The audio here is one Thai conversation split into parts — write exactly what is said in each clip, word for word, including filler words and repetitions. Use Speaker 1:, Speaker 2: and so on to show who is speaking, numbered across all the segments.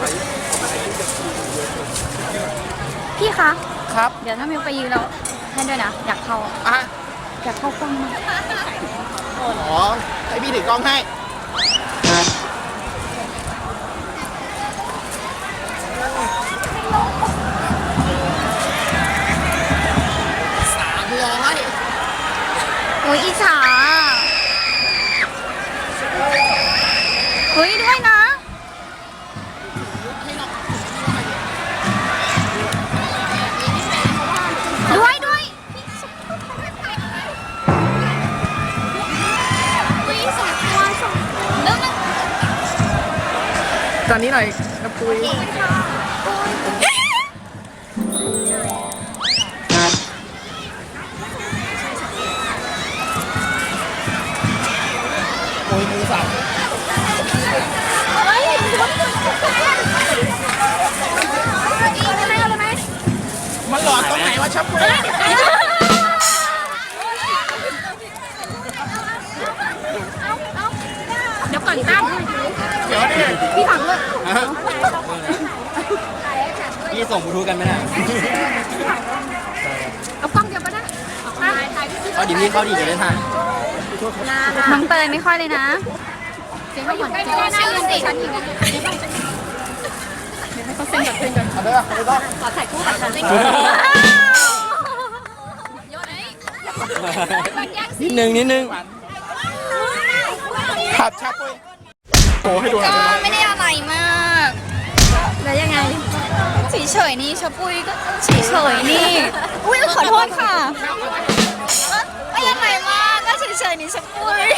Speaker 1: พี่คะ
Speaker 2: ครับ
Speaker 1: เดี๋ยวถ้ามิวไปยืนเราให้ด้วยนะ อยากเข้า
Speaker 2: อ่ะ
Speaker 1: อยากเข้ากล้องมาก
Speaker 2: อ๋อให้พี่ถือกล้องให้สามร้อย
Speaker 1: โอ้ยอิจฉาเฮ้ยด้วยนะ ด้วยด้วยวิสองตัวสองตัวเริ่มเลย
Speaker 2: ตอนนี้หน่อยน้ำปุยโอ้ยมือสั่นมันหลอดตรงไหนวะชับปุย
Speaker 1: เดี๋ยวก่อนตั้ม
Speaker 2: เดี๋ยวดิ
Speaker 1: พี่ถังเลย
Speaker 3: พี่ส่งบลูทูธกันไหมน่ะ
Speaker 1: เอากล้องเดียวก็ได้
Speaker 3: เขาดิพี่เขาดีจะได้ทัน
Speaker 1: น้องเตยไม่ค่อยเลยนะเสียงเขาอยู่ใกล้ๆหน้ายืนสิฉันอยู่เขาเซ็นกับเซ็นกับ
Speaker 2: เอาเด้อเอาเด้อ
Speaker 1: ขอถ่ายคู่กับฉันเลย
Speaker 3: นิดนึงนิดนึง
Speaker 2: ขับชับปุยโอ้ให้ดูหน่
Speaker 1: ก็
Speaker 2: อย
Speaker 1: ไม่ได้อะไรมากแล้วยังไงเฉยๆนี่ชะปุยก็เฉยๆนี่อุ้ยขอโทษค่ะไม่อะไรมากก็เฉยๆนี่ชะปุย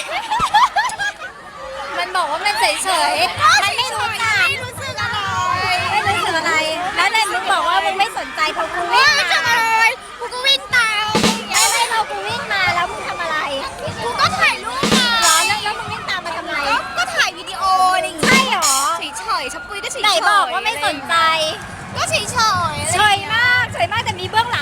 Speaker 1: มันบอกว่ามันเฉยๆมันไม่รู้จักไม่รู้สึกอะไรไม่รู้สึกอะไรแล้วเนี่ยมึงบอกว่ามึงไม่สนใจพอกูวิ่งมาทำอะไรกูก็วิ่งตามไม่ไม่พอกูวิ่งมาแล้วมึงทำอะไรกูก็ถ่ายรูปมาแล้วแล้วมึงวิ่งตามมาทำไมก็ถ่ายวิดีโอนี่ใช่หรอเฉยๆชะปุยก็เฉยๆไหนบอกว่าไม่สนใจก็เฉยๆเฉยมากเฉยมากแต่มีเบื้องหลัง